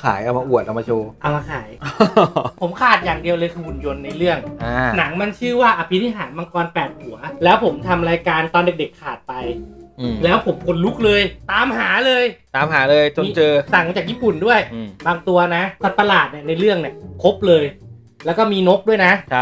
ายเอามาอวดเอามาโชว์เอามาขาย ผมขาดอย่างเดียวเลยคือหุ่นยนต์ในเรื่อง หนังมันชื่อว่าอภินิหารมังกร8หัวแล้วผมทำรายการตอนเด็กๆขาดไปแล้วผมขนลุกเลยตามหาเลยจนเจอสั่งมาจากญี่ปุ่นด้วยบางตัวนะสัตว์ประหลาดเนี่ยในเรื่องเนี่ยครบเลยแล้วก็มีนกด้วยนะครับ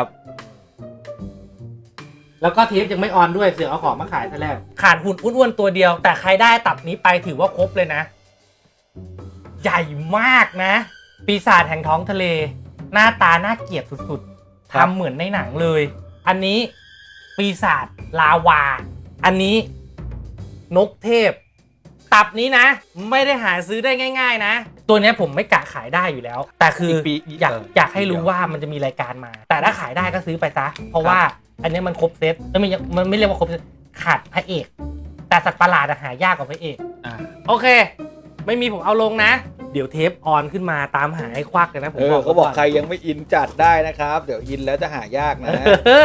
แล้วก็เทปยังไม่ออนด้วยเสือเอาของมาขายซะแล้วขาดหุ่นอ้วนๆตัวเดียวแต่ใครได้ตับนี้ไปถือว่าครบเลยนะใหญ่มากนะปีศาจแห่งท้องทะเลหน้าตาน่าเกลียดสุดๆทำเหมือนในหนังเลยอันนี้ปีศาจลาวาอันนี้นกเทพตับนี้นะไม่ได้หาซื้อได้ง่ายๆนะตัวนี้ผมไม่กะขายได้อยู่แล้วแต่คืออยากให้รู้ว่ามันจะมีรายการมาแต่ถ้าขายได้ก็ซื้อไปซะเพราะว่าอันนี้มันครบเซตมันไม่เรียกว่าครบเซตขาดพระเอกแต่สัตว์ประหลาดหายากกว่าพระเอกโอเคไม่มีผมเอาลงนะเดี๋ยวเทปออนขึ้นมาตามหาให้ควักเลยนะผมเขาบอกใครยังไม่อินจัดได้นะครับเดี๋ยวอินแล้วจะหายากนะ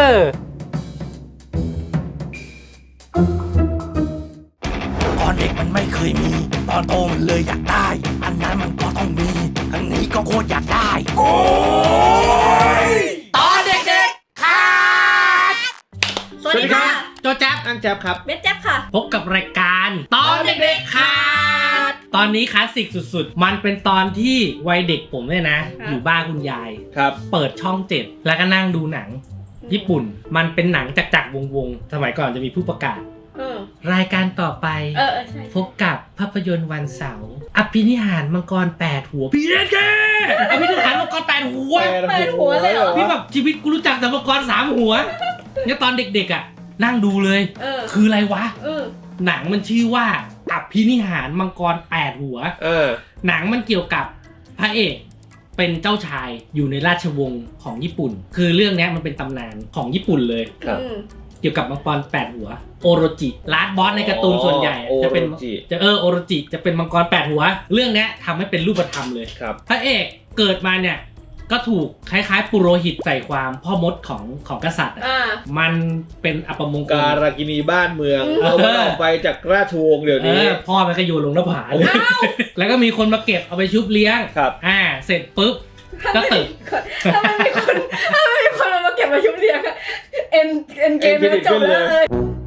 ตอนเด็กมันไม่เคยมีตอนโตมันเลยอยากได้อันนั้นมันก็ต้องมีอันนี้ก็โคตรอยากได้โอ้ยตอนเด็กๆค่ะสวัสดีค่ะโจแจ๊บอันแจ๊บครับเบสแจ๊บค่ะพบกับรายการตอนเด็กๆค่ะตอนนี้คลาสสิกสุดๆมันเป็นตอนที่วัยเด็กผมเนี่ยนะอยู่บ้านคุณยายครับเปิดช่อง7แล้วก็นั่งดูหนังญี่ปุ่นมันเป็นหนังจักรวงสมัยก่อนจะมีผู้ประกาศรายการต่อไปพบกับภาพยนตร์วันเสาร์อภินิหารมังกร8หัวพี่เอเคอภินิหารมังกร8หัวเลยเหรอพี่แบบชีวิตกูรู้จักแต่มังกร3หัวเนี่ยตอนเด็กๆอ่ะนั่งดูเลยคืออะไรวะหนังมันชื่อว่าอภินิหารมังกร8หัวหนังมันเกี่ยวกับพระเอกเป็นเจ้าชายอยู่ในราชวงศ์ของญี่ปุ่นคือเรื่องนี้มันเป็นตำนานของญี่ปุ่นเลยเกี่ยวกับมังกร8หัวโอโรจิลาสบอสในการ์ตูนส่วนใหญ่จะเป็นโอโรจิจะเป็นมังกร8หัวเรื่องนี้ทำให้เป็นรูปธรรมเลยพระเอกเกิดมาเนี่ยก็ถูกคล้ายๆปุโรหิตใส่ความพ่อมดของกษัตริย์มันเป็นอัปมงคลการากินีบ้านเมืองเอาออกไปจากราชวงศ์เดี๋ยวนี้พ่อมันก็โยนลงหน้าผาเลยแล้วก็มีคนมาเก็บเอาไปชุบเลี้ยงเสร็จปุ๊บก็ตึกถ้าไม่มีคนมาเก็บมาชุบเลี้ยงเอ็นเกมจบเลย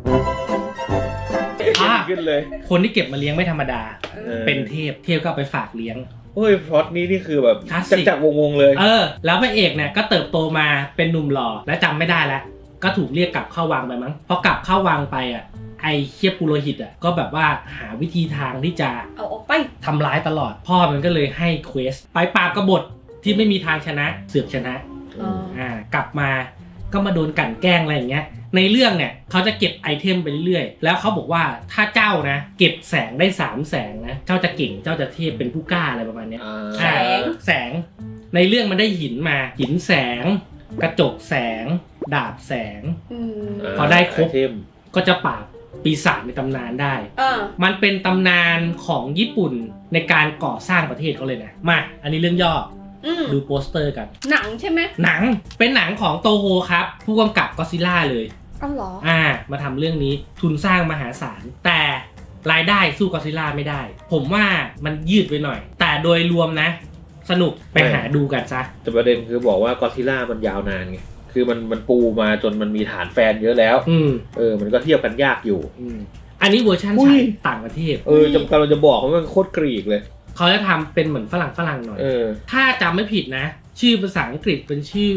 ขึ้นเลยคนที่เก็บมาเลี้ยงไม่ธรรมดาเป็นเทพก็เอาไปฝากเลี้ยงโอ้ยพล็อตนี้นี่คือแบบจักวงเลยแล้วพระเอกเนี่ยก็เติบโตมาเป็นหนุ่มหล่อและจำไม่ได้แล้วก็ถูกเรียกกลับเข้าวังไปมั้งพอกลับเข้าวังไปอ่ะไอเคียบปุโรหิตอ่ะก็แบบว่าหาวิธีทางที่จะเอาออกไปทำร้ายตลอดพ่อมันก็เลยให้เควสไปปราบกบฏที่ไม่มีทางชนะเสือกชนะกลับมาก็มาโดนกลั่นแกล้งอะไรอย่างเงี้ยในเรื่องเนี่ยเขาจะเก็บไอเทมไปเรื่อยๆแล้วเขาบอกว่าถ้าเจ้านะเก็บแสงได้3แสงนะเจ้าจะเก่งเจ้าจะเทพเป็นผู้กล้าอะไรประมาณนี้แสงในเรื่องมันได้หินมาหินแสงกระจกแสงดาบแสงพอได้ครบก็จะปราบปีศาจในตำนานได้มันเป็นตำนานของญี่ปุ่นในการก่อสร้างประเทศเขาเลยนะมาอันนี้เรื่องย่อดูโปสเตอร์กันหนังใช่ไหมหนังเป็นหนังของโตโฮครับผู้กำกับก็อดซิลล่าเลยอ๋อเหรอมาทำเรื่องนี้ทุนสร้างมหาศาลแต่รายได้สู้ก็อดซิลล่าไม่ได้ผมว่ามันยืดไปหน่อยแต่โดยรวมนะสนุกไปหาดูกันซะแต่ประเด็นคือบอกว่าก็อดซิลล่ามันยาวนานไงคือมันปูมาจนมันมีฐานแฟนเยอะแล้วมันก็เทียบกันยากอยู่อันนี้เวอร์ชันฉายต่างประเทศกำลังจะบอกว่ามันโคตรกรีกเลยเขาจะทำเป็นเหมือนฝรั่งหน่อยถ้าจำไม่ผิดนะชื่อภาษาอังกฤษเป็นชื่อ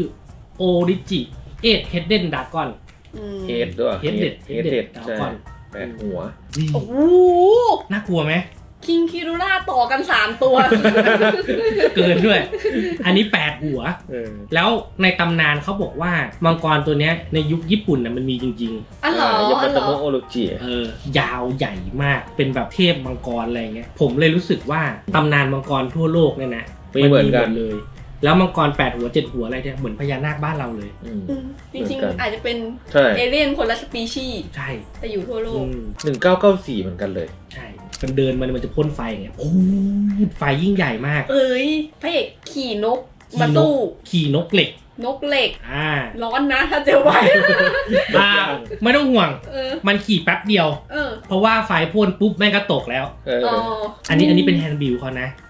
Origi 8 Headed Dragon เฮดด้วย Headed Dragon 8หัวโอ้โหน่ากลัวไหมคิงคิรูล่าต่อกัน3ตัวเกินด้วยอันนี้8หัวแล้วในตำนานเขาบอกว่ามังกรตัวเนี้ยในยุคญี่ปุ่นน่ะมันมีจริงๆอ๋อยามาโตโมโอโรจิยาวใหญ่มากเป็นแบบเทพมังกรอะไรเงี้ยผมเลยรู้สึกว่าตำนานมังกรทั่วโลกเนี่ยนะไม่เหมือนกันเลยแล้วมังกร8หัว7หัวอะไรเนี่ยเหมือนพญานาคบ้านเราเลยจริงๆอาจจะเป็นเอเลี่ยนคนละสปีชีส์ใช่แต่อยู่ทั่วโลก 1994เหมือนกันเลยใช่มันเดินมันจะพ่นไฟอย่างเงี้ยโอ้ไฟยิ่งใหญ่มากพระเอกขี่นกมาตู้ขี่นกเหล็กร้อนนะถ้าเจอไว้ไม่ต้องห่วงมันขี่แป๊บเดียวเพราะว่าไฟพ่นปุ๊บแม่งก็ตกแล้วอันนี้เป็นแฮนด์บิลเขานะ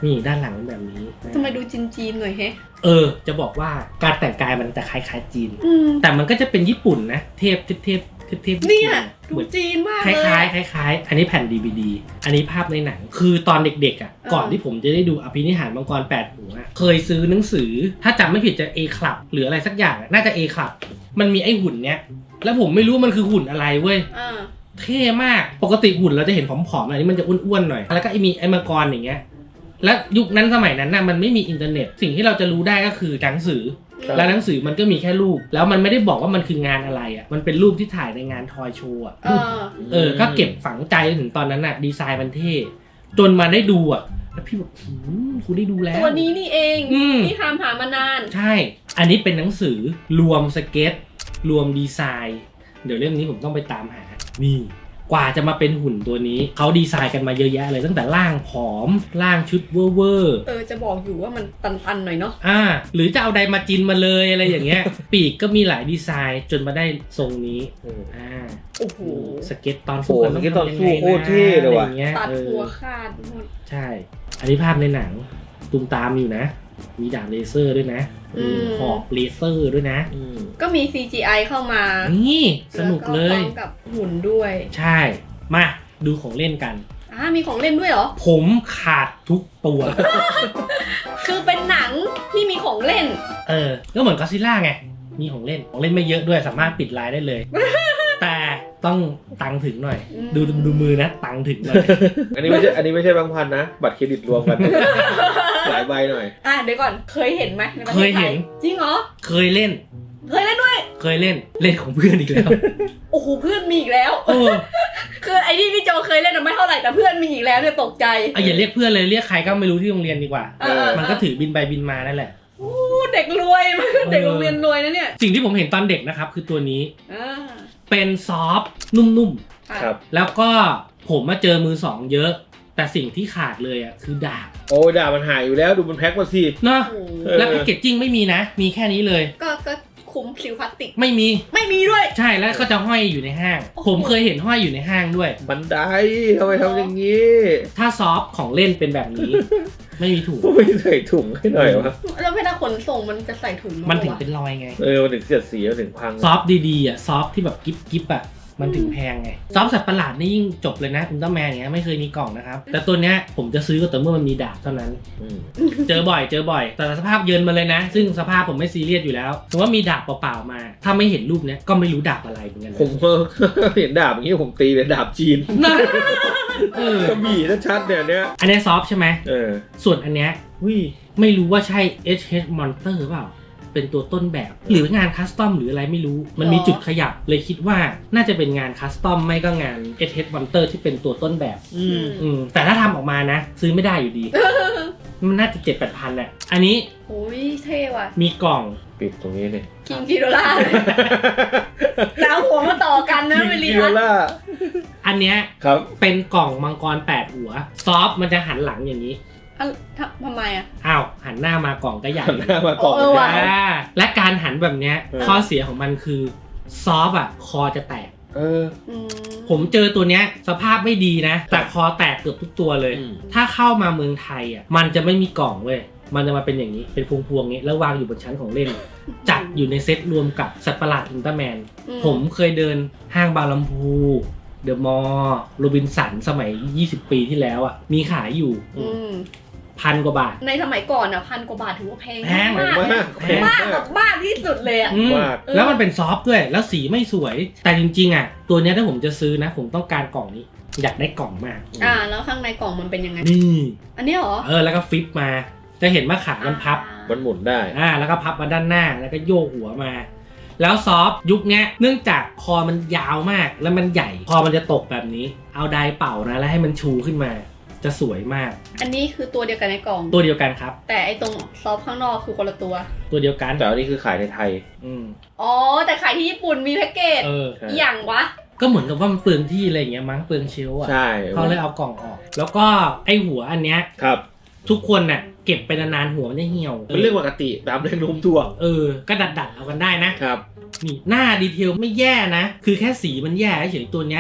นี่ด้านหลังเป็นแบบนี้ทำไมดูจีนๆหน่อยแฮะจะบอกว่าการแต่งกายมันจะคล้ายๆจีนอืมแต่มันก็จะเป็นญี่ปุ่นนะเทพเนี่ยดูเหมือนจีนมากคเลยล้ายๆอันนี้แผ่น DVD อันนี้ภาพในหนังคือตอนเด็กๆอ่ะก่อนที่ผมจะได้ดูอภินิหารมังกร8หัวเคยซื้อหนังสือถ้าจำไม่ผิดจะ A Club หรืออะไรสักอย่างน่าจะ A Club มันมีไอ้หุ่นเนี้ยแล้วผมไม่รู้มันคือหุ่นอะไรเว้ย เท่มากปกติหุ่นเราจะเห็นผอมๆอันนี้มันจะอ้วนๆหน่อยแล้วก็มีไอ้มังกรอย่างเงี้ยแล้วยุคนั้นสมัยนั้นน่ะมันไม่มีอินเทอร์เน็ตสิ่งที่เราจะรู้ได้ก็คือหนังสือแล้วหนังสือมันก็มีแค่รูปแล้วมันไม่ได้บอกว่ามันคืองานอะไรอ่ะมันเป็นรูปที่ถ่ายในงานทอยโชว์อ่ะก็เก็บฝังใจถึงตอนนั้นน่ะดีไซน์มันเท่จนมาได้ดูอ่ะแล้วพี่บอกคุณได้ดูแล้วตัวนี้นี่เองที่ตามหามานานใช่อันนี้เป็นหนังสือรวมสเก็ตรวมดีไซน์เดี๋ยวเรื่องนี้ผมต้องไปตามหานี่กว่าจะมาเป็นหุ่นตัวนี้เขาดีไซน์กันมาเยอะแยะเลยตั้งแต่ร่างผอมร่างชุดเวอร์จะบอกอยู่ว่ามันตันๆหน่อยเนาะหรือจะเอาไดมาจินมาเลยอะไรอย่างเงี้ย ปีกก็มีหลายดีไซน์จนมาได้ทรงนี้โอ้โหสเก็ตตอนสู้สเก็ตตอนสู้โคตรเท่เลยว่ะตัดหัวขาดหมดใช่อันนี้ภาพในหนังตูมตามอยู่นะมีดาบเลเซอร์ด้วยนะหอกเลเซอร์ด้วยนะก็มี CGI เข้ามานี่สนุกเลยกับหุ่นด้วยใช่มาดูของเล่นกันมีของเล่นด้วยเหรอผมขาดทุกตัวคือเป็นหนังที่มีของเล่นก็เหมือนก็อดซิลล่าไงมีของเล่นไม่เยอะด้วยสามารถปิดไลน์ได้เลย แต่ต้องตังถึงหน่อยดูมือนะตังถึงหน่อยอันนี้ไม่ใช่บางพันนะบัตรเครดิตรวมกัน หลายใบหน่อยเดี๋ยวก่อนเคยเห็นไหมในประเทศไทยเคยเห็นจริงเหรอเคยเล่นด้วยเคยเล่นของเพื่อนอีกแล้วโอ้โหเพื่อนมีอีกแล้วคือไอ้ที่พี่โจเคยเล่นไม่เท่าไหร่แต่เพื่อนมีอีกแล้วเนี่ยตกใจอย่าเรียกเพื่อนเลยเรียกใครก็ไม่รู้ที่โรงเรียนดีกว่ามันก็ถือบินไปบินมานั่นแหละเด็กรวยมันเด็กโรงเรียนรวยนะเนี่ยสิ่งที่ผมเห็นตอนเด็กนะครับคือตัวนี้เป็นซอฟต์นุ่มๆครับแล้วก็ผมมาเจอมือสองเยอะแต่สิ่งที่ขาดเลยคือดาบดาบมันหายอยู่แล้วดูมันแพ็คมาสิเนาะแล้วแพ็กเกจจิ้งไม่มีนะมีแค่นี้เลยก็คุมซิลพลาสติกไม่มีด้วยใช่แล้วก็จะห้อยอยู่ในห้างผมเคยเห็นห้อยอยู่ในห้างด้วยบันไดทำไมทำอย่างนี้ถ้าซอฟของเล่นเป็นแบบนี้ ไม่มีถุงไม่ใส่ถุงให้หน่อยวะแล้วเวลาขนส่งมันจะใส่ถุงมันถึงเป็นรอยไงมันถึงเสียดสีมันถึงพังซอฟดีๆซอฟที่แบบกิ๊บมันถึงแพงไงซอฟสัตว์ประหลาดนี่ยิ่งจบเลยนะอุลตร้าแมนเนี้ยไม่เคยมีกล่องนะครับแต่ตัวเนี้ยผมจะซื้อก็แต่เมื่อมันมีดาบเท่านั้นเจอบ่อยแต่สภาพเยินมาเลยนะซึ่งสภาพผมไม่ซีเรียสอยู่แล้วถือว่ามีดาบเปล่าๆมาถ้าไม่เห็นรูปเนี้ยก็ไม่รู้ดาบอะไรเหมือนกันผมเห็นดาบอย่างนี้ผมตีเป็นดาบจีนก็มีชัดๆเนี่ยอันนี้ซอฟใช่ไหมส่วนอันเนี้ยไม่รู้ว่าใช่ HH Monster เปล่าเป็นตัวต้นแบบหรืองานคัสตอมหรืออะไรไม่รู้มันมีจุดขยับเลยคิดว่าน่าจะเป็นงานคัสตอมไม่ก็งาน HH Monster ที่เป็นตัวต้นแบบแต่ถ้าทำออกมานะซื้อไม่ได้อยู่ดี มันน่าจะ 7-8 พันแหละอันนี้โอ้ยเท่ว่ะมีกล่องปิดตรงนี้เนี่ยคิงกิโดล่าแล้วหัวมาต่อกันนะเวลีล่าอันเนี้ยครับเป็นกล่องมังกร8หัวซอฟมันจะหันหลังอย่างนี้ทำไมหันหน้ามากล่องก็ใหญ่หันหน้ามากล่องและการหันแบบเนี้ยข้อเสียของมันคือซอฟคอจะแตกผมเจอตัวเนี้ยสภาพไม่ดีนะแต่คอแตกเกือบทุกตัวเลยถ้าเข้ามาเมืองไทยมันจะไม่มีกล่องเว้ยมันจะมาเป็นอย่างนี้เป็นพวงๆนี้แล้ววางอยู่บนชั้นของเล่นจัดอยู่ในเซตรวมกับสัตว์ประหลาดอุลตร้าแมนผมเคยเดินห้างบางลำพูเดอะมอลล์โรบินสันสมัย20 ปีที่แล้วมีขายอยู่1,000 กว่าบาทในสมัยก่อน1,000 กว่าบาทถือว่าแพงมากมากที่สุดเลยแล้วมันเป็นซอฟต์ด้วยแล้วสีไม่สวยแต่จริงๆตัวนี้ถ้าผมจะซื้อนะผมต้องการกล่องนี้อยากได้กล่องมากแล้วข้างในกล่องมันเป็นยังไงนี่อันนี้เหรอแล้วก็ฟลิปมาจะเห็นว่าขามันพับมันหมุนได้แล้วก็พับมาด้านหน้าแล้วก็โยกหัวมาแล้วซอฟยุคนี้เนื่องจากคอมันยาวมากแล้วมันใหญ่คอมันจะตกแบบนี้เอาไดเป่านะแล้วให้มันชูขึ้นมาจะสวยมากอันนี้คือตัวเดียวกันในกล่องตัวเดียวกันครับแต่ไอตรงซอฟข้างนอกคือคนละตัวเดียวกันแต่อันนี้คือขายในไทยแต่ขายที่ญี่ปุ่นมีแพ็กเกจอย่างวะก็เหมือนกับว่ามันเปลืองที่อะไรอย่างเงี้ยมั้งเปลืองเชลฟ์ใช่เขาเลยเอากล่องออกแล้วก็ไอหัวอันเนี้ยครับทุกคนน่ะเก็บไปนานๆหัวมันจะเหี่ยวเป็นเรื่องปกติตามแรงโน้มถ่วงก็ดัดเอากันได้นะครับนี่หน้าดีเทลไม่แย่นะคือแค่สีมันแย่เฉยตัวเนี้ย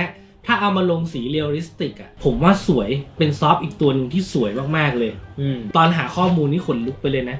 ถ้าเอามาลงสีเรียลลิสติกอ่ะผมว่าสวยเป็นซอฟต์อีกตัวหนึ่งที่สวยมากๆเลย ตอนหาข้อมูลนี่ขนลุกไปเลยนะ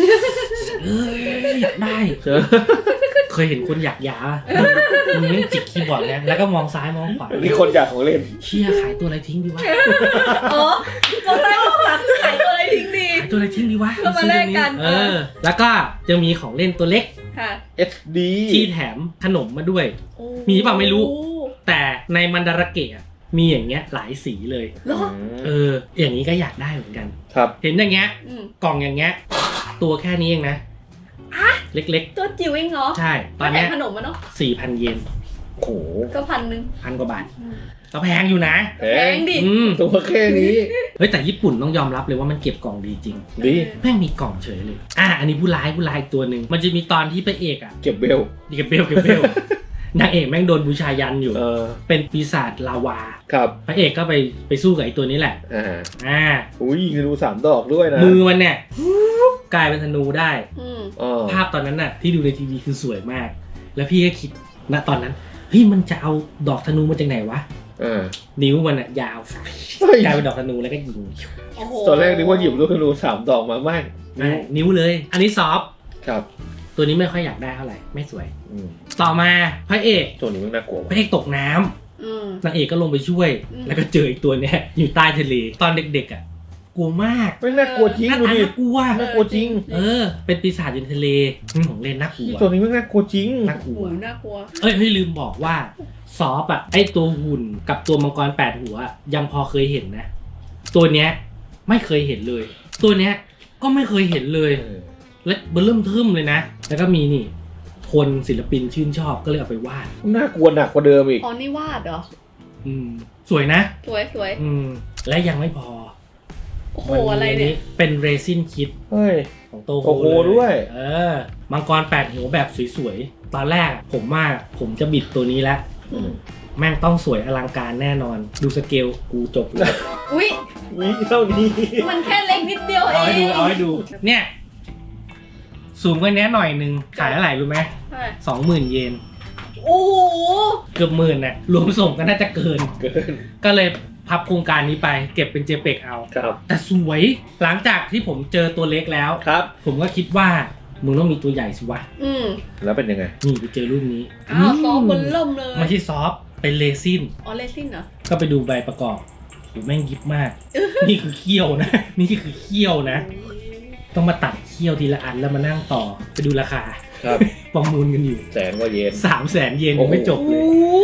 อยากได้เคยเห็นคนอยากยามึงเล่นจิกคีย์บอร์ดนะแล้วก็มองซ้ายมองขวานี่คนอยากของเล่นเชี่ยขายตัวอะไรทิ้งดีวะอ๋อบอกได้ว่าหลังขายตัวอะไรทิ้งดีขายตัวอะไรทิ้งดีวะก็มาแลกกันแล้วก็จะมีของเล่นตัวเล็กค่ะ SD ที่แถมขนมมาด้วย มีเปล่าไม่รู้ แต่ในมันดาราเกะมีอย่างเงี้ยหลายสีเลยเหรออย่างนี้ก็อยากได้เหมือนกันครับเห็นอย่างเงี้ย กล่องอย่างเงี้ยตัวแค่นี้เองนะเล็กตัวจิ๋วเองเหรอๆใช่ตอนเนี้ยขนมมันเนาะ 4,000 เยนโอ้โหก็1,000 1,000 กว่าบาทก็แพงอยู่นะแพแพงงดิตัวแค่นี้เฮ้ยแต่ญี่ปุ่นต้องยอมรับเลยว่ามันเก็บกล่องดีจริงดีแม่งมีกล่องเฉยเลยอันนี้ผู้ร้ายอีกตัวหนึ่งมันจะมีตอนที่พระเอกเก็บเบลเก็บเบล นางเอกแม่งโดนบูชายันอยู่เป็นปีศาจลาวาครับพระเอกก็ไปสู้กับไอ้ตัวนี้แหละอุ้ยยิงธนู3 ดอกด้วยนะมือมันเนี่ยกลายเป็นธนูได้ภาภาพตอนนั้นน่ะที่ดูในทีวีคือสวยมาก แล้วพี่ก็คิดณตอนนั้นเฮ้ยมันจะเอาดอกธนูมาจากไหนวะนิ้วมันอะยาวกลายเป็นดอกธนูแล้วก็ยิงตอนแรกนึกว่าหยิบลูกธนู3 ดอกมาไม่นิ้วเลยอันนี้ซอฟต์ครับตัวนี้ไม่ค่อยอยากได้เท่าไหร่ไม่สวยต่อมาพระเอกตัวนี้มันน่ากลัวพระเอกตกน้ำนางเอกก็ลงไปช่วยแล้วก็เจออีกตัวเนี้ยอยู่ใต้ทะเลตอนเด็กๆอ่ะกลัวมากไม่น่ากลัวจริงดูดิน่ากลัวจริงเป็นปีศาจอยู่ในทะเลของเล่นน่ากลัวตัวนี้ไม่น่ากลัวจริงน่ากลัวน่ากลัวเฮ้ยลืมบอกว่าซอฟอ่ะไอตัวหุ่นกับตัวมังกร8 หัวยังพอเคยเห็นนะตัวเนี้ยไม่เคยเห็นเลย ตัวเนี้ยก็ไม่เคยเห็นเลยและเริ่มทึ่มเลยนะแล้วก็มีนี่คนศิลปินชื่นชอบก็เลยเอาไปวาดน่ากลัวหนักกว่าเดิมอีกอ๋อนี่วาดเหรอสวยนะสวยและยังไม่พอโอ้โหอะไรเนี่ยเป็นเรซินคิดของโตโฮด้วยมังกร8 หัวแบบสวยๆตอนแรกผมจะบิดตัวนี้แล้วแม่งต้องสวยอลังการแน่นอนดูสเกลกูจบเลยอุ้ยเท่านี้มันแค่เล็กนิดเดียวเองเอาให้ดูเนี่ยสูงกว่านี้หน่อยนึงขายเท่าไหร่รู้ไหม20,000 เยนโอ้โหเกือบ10,000น่ะรวมส่งก็น่าจะเกินก็เลยพับโครงการนี้ไปเก็บเป็น JPEG เอาแต่สวยหลังจากที่ผมเจอตัวเล็กแล้วผมก็คิดว่ามึงต้องมีตัวใหญ่สิวะแล้วเป็นยังไงนี่ไปเจอรูปนี้ซอฟต์บนล่มเลยไม่ใช่ซอฟต์เป็นเรซินเรซินเหรอก็ไปดูใบประกอบโหแม่งยิบมากนี่คือเขี้ยวนะนี่คือเขี้ยวนะต้องมาตัดเขี้ยวทีละอันแล้วมานั่งต่อไปดูราคาประมูลกันอยู่ 100,000 กว่าเยน 300,000 เยนไม่จบเลย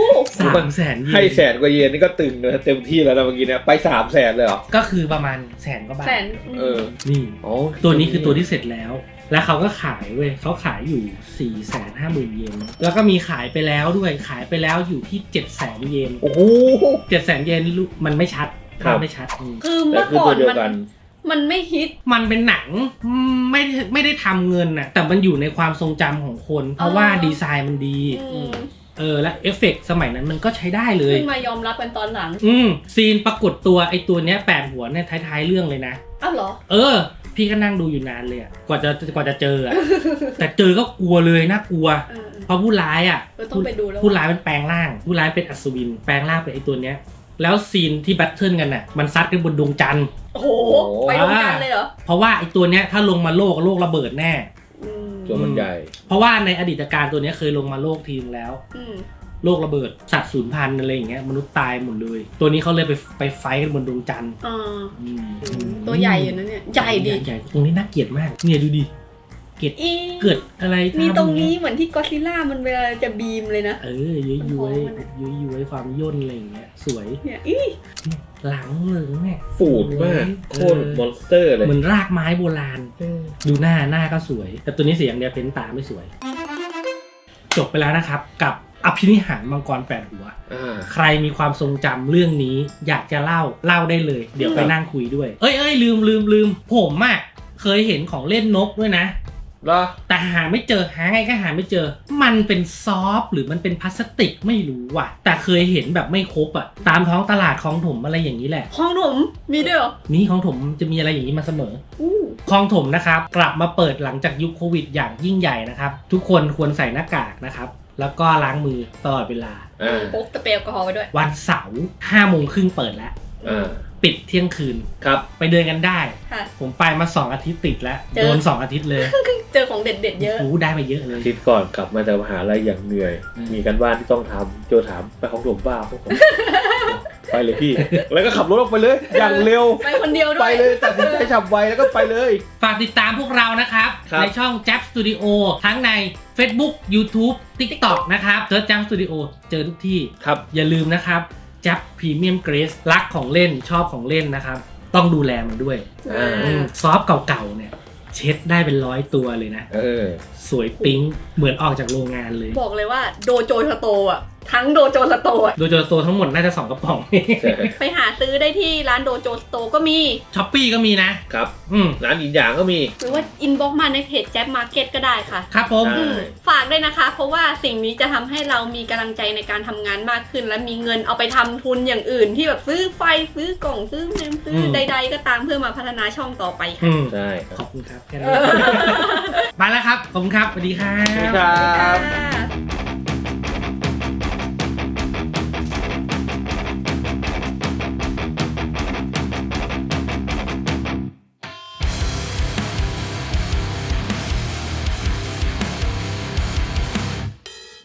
300,000 เยนให้100,000 กว่าเยนนี่ก็ตึงเลยเต็มที่แล้วนะเมื่อกี้เนี่ยไป300,000เลยเหรอก็คือประมาณ100,000 กว่าบาทนี่ตัวนี้คือตัวที่เสร็จแล้วแล้วเขาก็ขายเว้ยเขาขายอยู่ 450,000 เยนแล้วก็มีขายไปแล้วด้วยขายไปแล้วอยู่ที่ 700,000 เยนโอ้โห 700,000 เยนมันไม่ชัดไม่ชัดคือเมื่อก่อนมันไม่ฮิตมันเป็นหนังไม่ได้ทำเงินน่ะแต่มันอยู่ในความทรงจำของคนเพราะว่าดีไซน์มันดีและเอฟเฟกต์สมัยนั้นมันก็ใช้ได้เลยเพิ่งมายอมรับกันตอนหลังซีนปรากฏตัวไอตัวเนี้ย8 หัวเนี่ยท้ายๆเรื่องเลยนะอ้าวเหรอพี่ก็นั่งดูอยู่นานเลยกว่าจะเจอแต่เจอก็กลัวเลยน่ากลัวเพราะผู้ร้ายผู้ร้ายมันแปลงร่างผู้ร้ายเป็นอัศวินแปลงร่างเป็นไอตัวเนี้ยแล้วซีนที่แบทเทิลกันน่ะมันซัดกันบนดวงจันทร์โอ้โหไปดวงจันทร์เลยเหรอเพราะว่าไอตัวเนี้ยถ้าลงมาโลกระเบิดแน่ตัวมันใหญ่เพราะว่าในอดีตการตัวเนี้ยเคยลงมาโลกทีนึงแล้วโลกระเบิดสัตว์สูญพันธุ์อะไรอย่างเงี้ยมนุษย์ตายหมดเลยตัวนี้เขาเลยไปไฟกันบนดวงจันทร์ตัวใหญ่อยู่นะเนี่ยใหญ่ดิใหญ่ตรงนี้น่าเกลียดมากเนี่ยดูดิเกิดอะไรมีตรงนี้เหมือนที่ก็อดซิลล่ามันเวลาจะบีมเลยนะย้วยความย่นอะไรอย่างเงี้ยสวยเนี่ยหลังเลยเนี่ยฟูดมากโคตรมอนสเตอร์เลยเหมือนรากไม้โบราณดูหน้าก็สวยแต่ตัวนี้เสียงเดียวเพ้นตาไม่สวยจบไปแล้วนะครับกับอภินิหารมังกร8 หัวใครมีความทรงจำเรื่องนี้อยากจะเล่าได้เลยเดี๋ยวไปนั่งคุยด้วยลืมผมเคยเห็นของเล่นนกด้วยนะแต่หาไม่เจอหาไงก็หาไม่เจอมันเป็นซอฟต์หรือมันเป็นพลาสติกไม่รู้ว่ะแต่เคยเห็นแบบไม่ครบตามท้องตลาดคลองถมอะไรอย่างนี้แหละคลองถมมีด้วยเหรอมีคลองถมจะมีอะไรอย่างนี้มาเสมอคลองถมนะครับกลับมาเปิดหลังจากยุคโควิดอย่างยิ่งใหญ่นะครับทุกคนควรใส่หน้ากากนะครับแล้วก็ล้างมือตลอดเวลาพกสเปรย์แอลกอฮอล์ไปด้วยวันเสาร์5 โมงครึ่งเปิดแล้ว ปิดเที่ยงคืนครับไปเดินกันได้ค่ะผมไปมา2 อาทิตย์ติดแล้วเจอโดน2 อาทิตย์เลยเจอของเด็ดๆเยอะโอ้ได้ไปเยอะเลยอาทิตย์ก่อนกลับมาจากมหาลัยอย่างเหนื่อย มีกันบ้านที่ต้องทำโจถามไปของหลวงบ้าพวกผม ไปเลยพี่ แล้วก็ขับรถออกไปเลย อย่างเร็วไปคนเดียวด้วยไปเลยตัดสินใจฉับไวแล้วก็ไปเลยฝากติดตามพวกเรานะครับครับในช่อง Jab Studio ทั้งใน Facebook YouTube TikTok นะครับเจอ Jab Studio เจอทุกที่ครับอย่าลืมนะครับ Jab Premium Grace รักของเล่นชอบของเล่นนะครับ ต้องดูแลมันด้วย ซอฟต์เก่าๆเนี่ย เช็ดได้เป็น100 ตัวเลยนะ สวยปิ๊งเหมือนออกจากโรงงานเลยบอกเลยว่าโดโจสโตร์อ่ะ ทั้งโดโจสโตร์อะโดยตัวทั้งหมดน่าจะ2 กระป๋องไปหาซื้อได้ที่ร้านโดโจสโตร์ก็มีช้อปปี้ก็มีนะครับร้านอินหยางก็มีหรือว่าอินบ็อกมาในเพจแจ๊บมาร์เก็ตก็ได้ค่ะครับผมใช่ฝากด้วยนะคะ เพราะว่าสิ่งนี้จะทำให้เรามีกำลังใจในการทำงานมากขึ้น และมีเงินเอาไปทำทุนอย่างอื่นที่แบบซื้อไฟซื้อกล่องซื้อเมมซื้อใดๆก็ตามเพื่อมาพัฒนาช่องต่อไปค่ะใช่ขอบคุณครับแค่นี้ ไปแล้วครับ ขอบคุณครับ สวัสดีครับครับ